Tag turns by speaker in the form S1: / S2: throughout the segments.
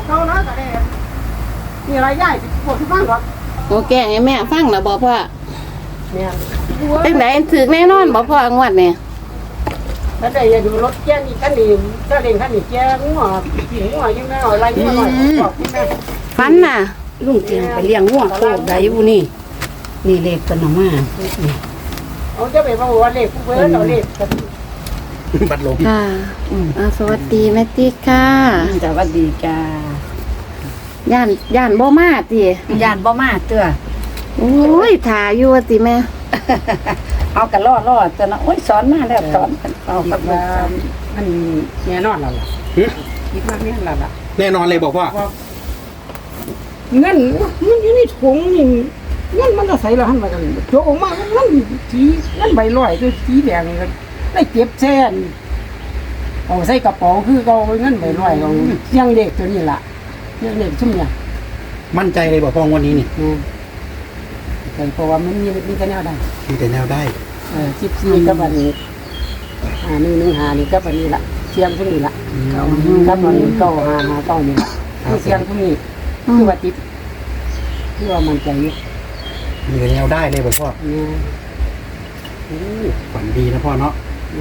S1: เขานะแต่เนี่ยมีอะไรใหญ่ปวดที่บ้านหรอ
S2: โอแกงให้แม่ฟังแล้วบ่พ่อ
S1: เนี่ย
S2: จังได๋ถึกแน่นอนบ่พ่องวดนี่
S1: แล้วแต่อย่าดูรถแก่นี่คันนี้ถ้าเร่งคันนี้แก่งัวผีงัวยังไม่อะไรงัวหน่อยบอกพี่แม่
S2: ฟันน่ะ
S3: ลุงเตียงไปเลี้ยงงัวโคกได้อยู่นี่นี่เลขกันออกมา
S1: เอาจะไปบอกว่าเลขผู้เพื่อนเราเลข
S4: บัดลม
S2: ค่ะสวัสดีแม่ติ๊กค่ะ
S3: สวัสดีจ้า
S2: ย่านบ่มาติ
S3: ย่านบ่มาเตื้อ
S2: โอ้ยถ่าอยู่ว่าติแม่
S3: เอากันรอดแต่นะโอ้ยสอนมาแล้วสอนเอากับว่า
S1: มันแน่นอนแล้วล่ะคิดว่าแน่นแล้วล่ะ
S4: แน่นอนเลยบอกว่า
S1: เงินมันอยู่ในถุงนี่เงินมันจะใส่แล้วหันมากันโจกออกมามันสีเงินใบลอยคือสีแดงกันได้เก็บแซ่นเอาใส่กระเป๋าคือเอาเงินใบลอยเอาเสียงเด็กตัวนี้ล่ะเสียงเด็กชุ่มเนี่ย
S4: มั่นใจเลยบอกพ่อวันนี้นี่
S1: แต่เพราะว่ามันมีแต่แนวได้
S4: มีแต่แนวได้
S1: 14กับอันนี้115นี่กับอันนี้ล่ะเสียงพวกนี้ล่ะกับอันนี้955ต้อนี่ล่ะเสียงพวกนี้คือว่าติดคือว่ามันใจอยู่
S4: มีแต่แนวได้เลยบอกพ่อฝันดีนะพ่อเนาะ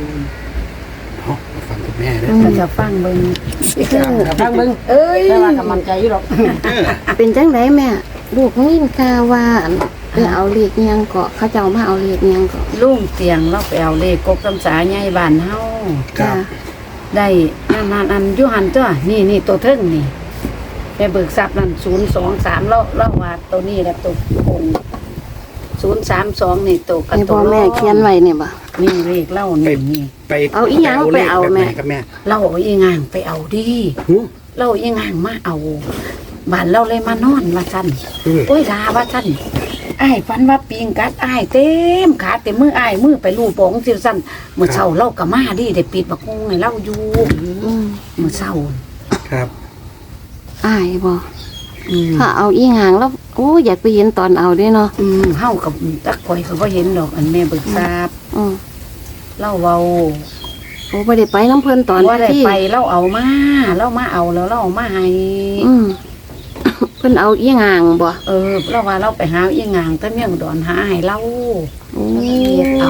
S4: ฟังคุณแม่ด้วย
S3: จะฟังเบิ่ง
S1: ฟังเบิ่งแต่ว่ากำลังใจอยู่หรอก
S2: เป็นจังไดแม่ลูกยินข่าวว่าไปเอาเลขยังเกาะเขาเจ้ามาเอาเลขยังเกาะ
S3: ลุงเตียงเราไปเอาเลขกกตำสาใหญ่บ้านเฮา
S2: จ้ะ
S3: ได้อันอยู่หันตัวนี่ตัวเทิงนี่ไปเบิกทรัพย์นั่น023แล้วว่าตัวนี้แหละตัวคง032นี่ตัวกับตัว
S2: พ่อแม่เขียนไว้เนี่ยบ่
S3: นี่เลขเล่านี่
S4: ไป
S2: เอาอีหยังไปเอาแม่
S4: กับแม่
S3: เล่าอีงางไปเอาดิเล่าอีงางมาเอาบ้านเราเลยมานอนว่าซั่นโอ้ยลาว่าซั่นอ้ายฝันว่าปิงกัดอ้ายเต็มขาเต็มมืออ้ายมือไปลูบปองซิซั่นมื้อเช้าเราก็มาดิได้ปิดบักฮงให้เราอยู่มื้อเช้า
S4: ครับ
S2: อ้ายบ่ถ้าเอาอีหางแล้วโอ้อยากไปเห็นตอนเอาด้วยเนาะ
S3: เฮากับตักข่อยก็บ่เห็นดอกอันแม่เบิกทราบเล่าเว้า
S2: โอ้บ่ได้ไปน้ำเพิ่นตอน
S3: บ่ได้ไปเล่าเอามาเล่ามาเอาแล้วเล่าเอามาให้
S2: เพิ่นเอาอีหางบ่
S3: เล่าว่าเราไปหาอีหางแต่เมียงดอนหาให้เล่า
S2: โอ้
S3: เอา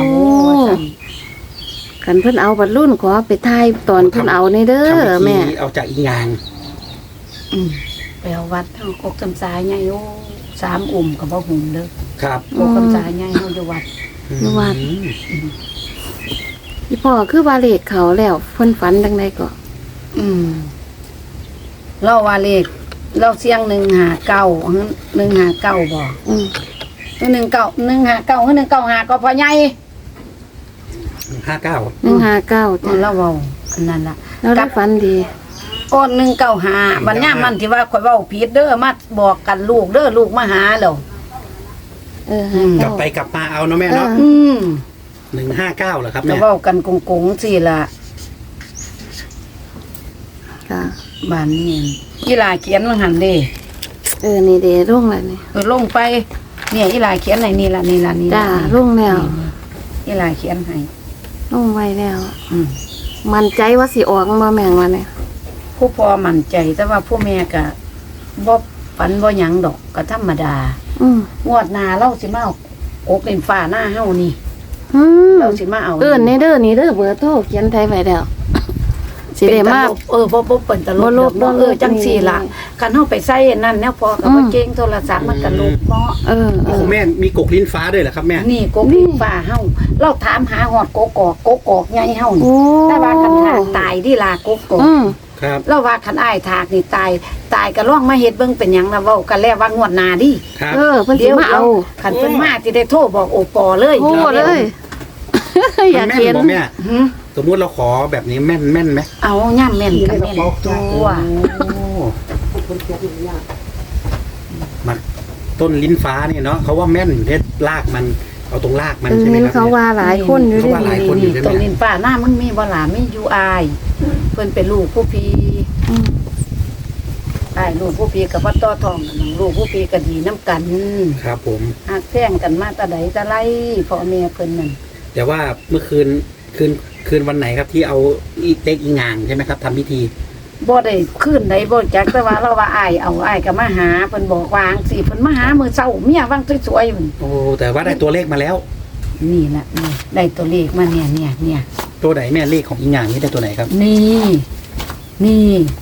S2: คันเพิ่นเอาบัดรุ่นขอไปทายตอนเพิ่นเอาในเด้อแม่
S4: เอาจากอีหาง
S3: ไปเอาวัดเฮากกจำสายใหญ่โอ้3อุ่มก็บ่หุ่มเด้อ
S4: ครับ
S3: กกจำสายใหญ่เฮาอยู่วัด
S2: อีพ่อคือว่าเลขเขาแล้วเพิ่นฝันจังได๋ก็
S3: เล่าว่าเลขเราเสียง159บ่ตัว15159คือ195ก็พอใหญ่
S4: 159
S2: จ้ะ
S3: เราเว้าอันนั้นล่ะ
S2: เราได้ฝันดี
S3: ก้อน195วันยามมันที่ว่าข่อยเว้าผิดเด้อมาบอกกันลูกเด้อลูกมาหาแล้ว
S4: กลับไปกลับมาเอาเนาะแม่เนาะ159เหรอครับแม่
S3: เว้ากันกงๆสิล่ะ
S2: ค่ะ
S3: บ้านนี้อีหลาเขียนว่าหั่นเด้
S2: นี่เด้ลงแล้วนี่
S3: ลงไปเนี่ยอีหลาเขียนไหนนี่ล่ะ
S2: จ้าลงแล้ว
S3: อีหลาเขียนให้
S2: ลงไว้แล้วมั่นใจว่าสิออกบ่แม่งว่าเนี่ย
S3: ผู้พ่อมั่นใจแต่ว่าผู้แม่ก็บ่ฝันบ่หยังดอกก็ธรรมดางวดหน้าเราสิมาเอาอกเล่นฟ้าหน้าเฮานี่เราสิมาเอา
S2: นี่เด้อนี่เด้อเบอร์โทรเขียนไทยไว้แล้วสิได้มา
S3: บ่เปิ้นตลกจังซี่ล่ะคันเฮาไปใส่นั่นแนวพอก็บ่เก่งโทรศัพท์มันก็ลบเนาะ
S4: แม่มีกกลิ้นฟ้าด้วยเหรอครับแม่
S3: นี่กกลิ้นฟ้าเฮาเราถามหาฮอดกอกใหญ่เฮาแต่ว่าคันหาตายดิล่ะกก
S4: ครับ
S3: เราว่าคันอ้ายถากนี่ตายก็ลองมาเฮ็ดเบิ่งเป็นหยังล่ะเว้ากันแล้วว่างวดหน้าดิ
S2: เพิ่นสิมาเอา
S3: คันเพิ่นมาสิได้โทรบอกโอปอเลย
S2: โทรเลยอยากเห็น
S4: แม่สมมุติเราขอแบบนี้แม่นไหม
S3: เอาย่ำแม่นกับแม่นตัว
S4: มาต้นลิ้นฟ้าเนี่ยเนาะเขาว่าแม่นเด็ดรากมันเอาตรงรากมันใช่ไหมครับ
S2: เขาว่าหลายคนอยู่
S4: เขาว่าหลายคนอยู่ใช่ไหม
S3: ต้นลิ้นฟ้าหน้ามันมีบ่หลาไม่อยู่อายเพิ่นเป็นลูกผู้พี่ลูกผู้พี่กับว่าต่อทองลูกผู้พี่ก็ดีน้ำกัน
S4: ครับผม
S3: หักแท่งกันมาตะไดตะไลพ่อแม่เพิ่นนั่น
S4: แต่ว่าเมื่อคืนวันไหนครับที่เอาเล็กอีงางใช่ไหมครับทำพิธี
S3: บ่ได้ขึ้นได้บ่จักแต่ว่าเราว่าอ้ายก็มาหาเพิ่นบอกวาจั่งสิเพิ่นมาหามื้อเช้าเมียวางสวยๆพุ่น
S4: โอ้แต่ว่าได้ตัวเลขมาแล้ว
S3: นี่ล่ะนี่ได้ตัวเลขมาเนี่ย
S4: ตัวไหนแม่เลขของอีหยังนี่ได้ตัวไหนครับ
S3: นี่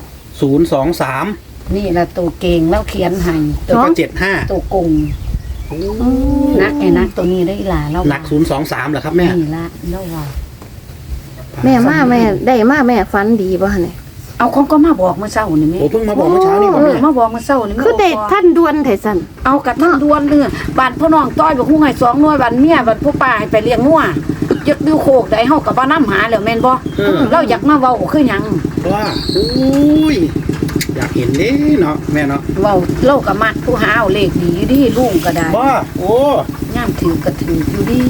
S4: 023
S3: นี่ล่ะตัวเก่งแล้วเขียนให้ตั
S4: แล้ว วก็75
S3: ตัวกงนักไอ้นักตัวนี้ได้ล่ะเรา
S4: หนัก023เหรอครับแม่
S3: นี่ล่ะเราว่า
S2: แม่มาแม่ได้มาแม่ฝันดีบ่เนี่ย
S3: เอาของก็มาบอกเมื่อเช้านี่แม่
S4: โอ้เพิ่งมาบอกเมื่อเช้านี่บอก
S3: เอ
S4: แม่
S3: อมาบอกเมื่อเช้านี่
S2: คือได้ท่านด่วนไทสัน
S3: เอากับท่านดวนเด้อบ้านพ่อน้องต้อยบอกฮู้ให้2หน่วยบ้านเมียบ้านผู้ป้าให้ไปเลี้ยงงัวยึดดูโคกได้เฮาก็บ่นำหาแล้วแม่นบ่เราอยากมาเว้าคือหยัง
S4: ว่าอุ้ยอยากเห็นเด้เนาะแม่เนาะ
S3: เว้าเราก็มักผู้หาเอาเลขดีอยู่ดีลุงก็ได้
S4: ว่าโอ้
S3: ย่ามถือก็ถืออยู่ดี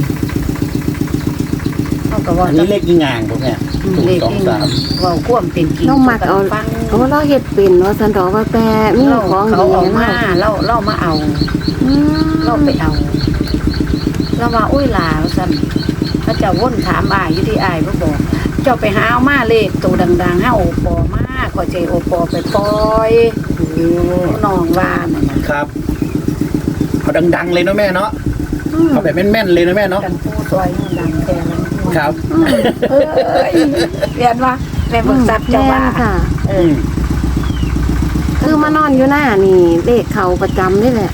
S3: เฮาก็ว่า
S4: อันนี้เลขอีหยังผมเนี่ย
S3: เลขนี่
S4: 023
S3: เว้าความเป็นจริง
S2: เรามักเอา
S3: ฟัง
S2: เอาเราเฮ็ดเป็นเนาะสันดอกว่าแต่มี
S3: เรา
S2: ของ
S3: เขา
S2: ดี
S3: เอา
S2: เนาะ
S3: มาเรามาเอา
S2: อืม
S3: เราไปเอาเราว่าอุ้ยหลาสั่นพระเจ้าว่นถามอายอยู่ที่อายบ่บอก เจ้าไปหาเอามาเลขตัวดังๆหาโอปอมาขอใจโอปอไปปล่อยน้องว่านั่นน่ะ
S4: ครับเอาดังๆเลยเนาะแม่เนาะ
S2: อืม
S4: เอาแบบแม่นๆเลยนะแม่เนาะ
S3: กันผู้ซอยให้ดังแต่ละ
S4: ครับ
S3: เอ้ยเรียนว่าแม่เบิกทรัพย์เจ้าว่า
S2: แม่นค่ะ
S3: เอ
S4: อื
S3: อ
S4: ม
S2: คือมานอนอยู่หน้านี่เลขเขาประจำนี่แหละ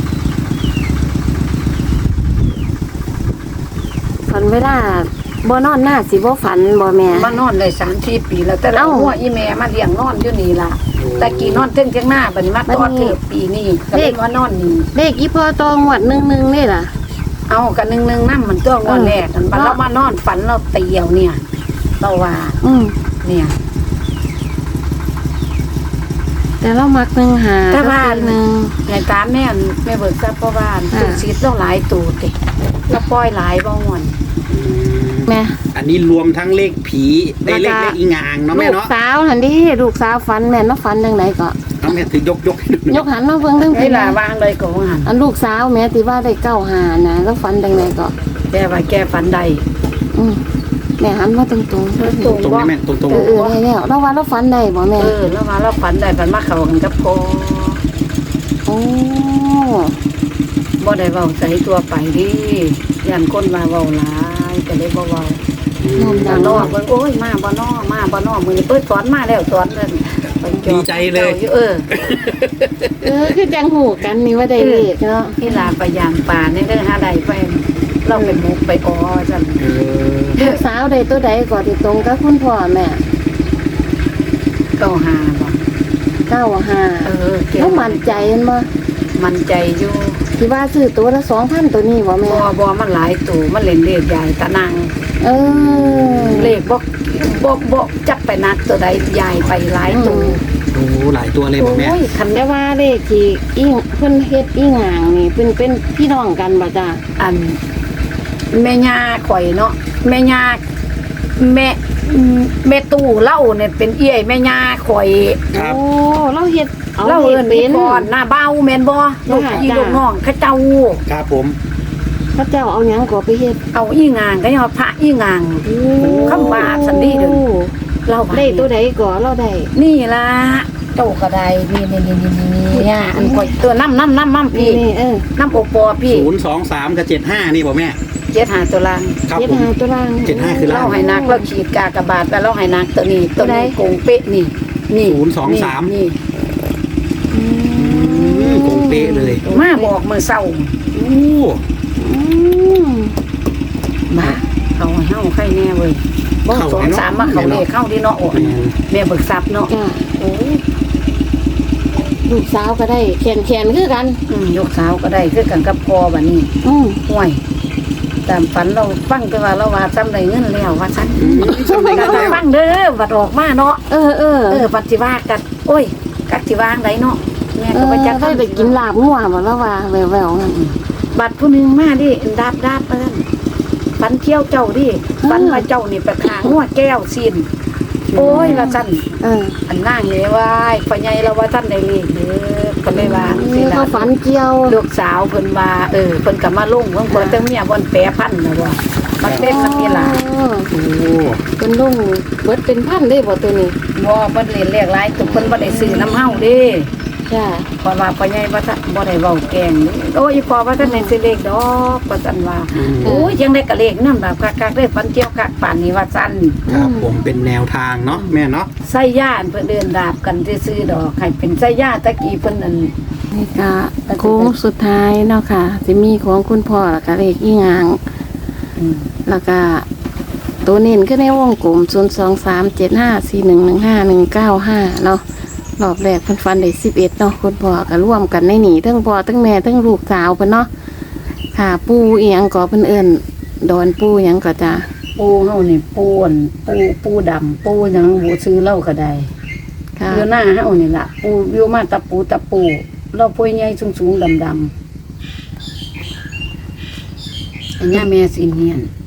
S2: ฝันเวลาบ่นอนหน้าสิบ่ฝันบ่แม่
S3: มานอนได้3-4 ปีแล้วแต่เรา
S2: เอ้า
S3: หัวอีแม่มาเลี้ยงนอนอยู่นี่ล่ะแต่กี้นอนเทิงเทียงหน้าบัดนี้มาตอดเถิดปีนี้ก็เลยมานอนนี่
S2: เลขอีพอตองวด1นี่ล่ะ
S3: เอากันหนึ่งน้ำมันตัวงอนแรกกันบัดเรามานอนฝันเราเตียวเนี่ยเราว่า
S2: อืม
S3: เนี่ย
S2: แต่เรามัก1หา
S3: แต่ว่า
S2: หนึ่ง
S3: ในตามแม่แม่เบิกทรัพย์เพราะว่า
S2: อ่า
S3: ตุกซีดเราหลายตูดติเราปล่อยหลายบ่งอน
S2: แม่
S4: อันนี้รวมทั้งเลขผีได้เลขอีหงเนาะแม่
S2: ลูก
S4: เนาะ
S2: สาวหันดิลูกสาวฝันแม่นมาฝันจังไดก็
S4: เอาแม่ถือยกให้ดูห
S2: ย
S4: น่อย
S2: กหันมาเบิ่งเรื่อง
S3: เว
S2: พี่
S3: ลาวางเลยก็ว่าหัน
S2: อันลูกสาวแม่ที่ว่าได้9หานะแล้วฝันจังไดก็
S3: แกว่าแกฝันใด
S2: อืมแม่หันมาตรงๆ
S3: ตรง
S4: ตรงนี้แม่ตรง
S2: เออได้แล้วเราว่าเราฝันได้บ่แม่
S3: แล้วมาเราฝันใดฝันมาเข้ากันกับพอ
S2: โอ้
S3: บ่ได้เว้าใส่ตัวไปดิยันคนมาเว้าหลายก็เลยบ่เว้า
S2: น้อม
S3: แต่
S2: ดัง
S3: นอ
S2: เนาะ
S3: กเบิ่งโอ้ยมาบ่นอมื้อนี้เปิดสอนมาแล้วสอนนั่นไปจอบ
S4: ดีใจเลย
S3: เออ
S2: คือจังหูกันนี่ว่าได้เลขเนาะ
S3: ที่ลาไปยางป่าในเรื่องหาใดไปเราเป็นมุกไปออจัน
S4: เออ
S2: ลูกสาวได้ตัวใดก็ที่ตรงกับคุณพ่อแม่
S3: ก็หาบ่
S2: 95
S3: เออเก็
S2: แล้วมั่นใจเห็นบ่
S3: มันใจอยู่
S2: ที่ว่าซื้อตัวละ 2,000 ตัวนี้บ่แม่
S3: บ่มันหลายตู่มันเล่นเลขใหญ่ตะนาง
S2: เออ
S3: เลขบ่จับไปนักตัวใดใหญ่ไปหลายตู่
S4: โอ้หลายตัวเลยบอกแม่
S3: โอ้ยคัน
S2: แต่ว่าเลขที่อิงเพิ่นเฮ็ดอีหางนี่เป็นพี่น้องกันบ่จ้า
S3: อันแม่ย่าข่อยเนาะแม่ย่าแม่ตู่เล่าเนี่ยเป็นเอี้ยแม่ย่าข่อย
S4: ครับ
S2: โอ้เราเฮ็ดเอา
S3: เล่า
S2: เฮ็
S3: เอิ้
S2: ด
S3: น
S2: เป็
S3: เป็น นก่อนหน้าเบ้าแม่นบ่ลูกพี่ลูกน้องเขาเจ้า
S4: ครับผม
S2: พระเจ้าเอาหยังก็ไปเฮ็ด
S3: เอาอีงางก็ยังเอาพระอีงาง คำว่าสันดีเด้อ เล่า
S2: ได้ตัวใดก็เราได้
S3: นี่ล่ะโตก็ได้นี่เนี่ยอันก่อยตัวน้ำพี่
S2: นี่เออ
S3: น้ำโอปอพี่
S4: 023กับ75นี่บอกแม่
S3: เจ็ดหาตัวล่าง
S4: ครับ
S2: เฮ็ด
S4: ผม
S2: หาตัวล่าง
S4: 75คือล่า
S3: เล่าง ให้นักเราขีดกากบาทแต่เล่าให้นักตัวนี้ตัวนี้
S2: ตัวใด
S3: โกงเป๊ะนี่นี่
S4: 023
S3: นี่
S2: อืม
S4: คงเป๊ะเลย
S3: มาบอกมือเศร้า
S4: โอ้
S2: อืม
S3: มาเขาให้เฮาใครแน่เว้ยบ่2-3มาเขาเลยเข้าดีเนาะโอ้ยแม่เบิกทรัพย์เนาะ
S2: จ้า
S3: โอ้ย
S2: ลูกสาวก็ได้แขนคือกัน
S3: ยกสาวก็ได้คือกันกับพ่อบัดนี้
S2: อืม
S3: ห่วยตามฝันเราฟังแต่ว่าเราว่าจำได้เงินแล้วว่าซั่น
S4: สำเร็จแล้ว
S3: ฟังเด้อบัดออกมาเนาะ
S2: เออ
S3: ปัจจิว่ากันโอ้ยกักสิวางไดเนาะแม่
S2: เอ
S3: ก็
S2: อ
S3: บ่จัก
S2: ได้ไปกินลาบงัวบ่แล้วว่าแววๆนั่น
S3: บัดผู้หนึงมาดิดาบว่าซั่นฝันเที่ยวเจ้าดิฝันว่าเจ้านี่ไปขางหัวแก้วซีนโอ้ยว่าซั่น
S2: เออ
S3: อันนางนี่ว่าพ่อใหญ่เราว่าท่านได้เลขเด้อก็เลยว่าสิล่ะ
S2: เขาฝันเกี่ยว
S3: ลูกสาวเพิ่นว่าเพิ่นก็มาลงเพิ่นบ่แต่เมียบ่นแปรพันน่ะว่าปักเต็มมันนี่ล่ะ
S2: อ๋อ
S4: โอ้
S2: เป็นลุงเบิดเป็นพันได้บ่ตัวนี้
S3: บ่เพิ่นเล่นเลขหลายตุกเพิ่นบ่ได้ซื้อน้ำเฮาเด้
S2: จ้า
S3: เพราะว่าพ่อใหญ่ว่าท่านบ่ได้เว้าแกล้งเด้โอ้ยพ่อว่าท่านได้ซื้อเลขดอกว่าซั่นว่าโอ้ยยังได้กะเลขนำแบบคักๆได้ฝันเกี่ยวคักป่านนี้ว่าซั่น
S4: ครับผมเป็นแนวทางเนาะแม่เนาะ
S3: ใส่ย่านเพิ่นเดินดาบกันซื่อๆดอกให้เป็นใส่ย่าตะกี้เพิ่นนั่น
S2: นี่ก็โค้งสุดท้ายเนาะค่ะจะมีของคุณพ่อแล้วก็เลขอีหยัง
S3: อืม
S2: แล้วก็ตัวเน้นขึ้นในวงกลม0237541159195เนาะรอบแรกเพิ่นฟันได้11เนาะคุณพ่อก็ร่วมกันในนี่ทั้งพ่อทั้งแม่ทั้งลูกสาวเพิ่นเนาะค่ะปูอีหยังก็เพิ่นเอิ้นดอนปูหยังก็จ้า
S3: ปูเฮานี่ปูอั่นปูดำปูหยังบ่ซื้อเหล้าก็ได้
S2: ค่ะ
S3: อยู่หน้าเฮานี่ล่ะปูอยู่มาตะปูเราปุ้ยใหญ่สูงๆดำๆอันนี้แม่สิเนียน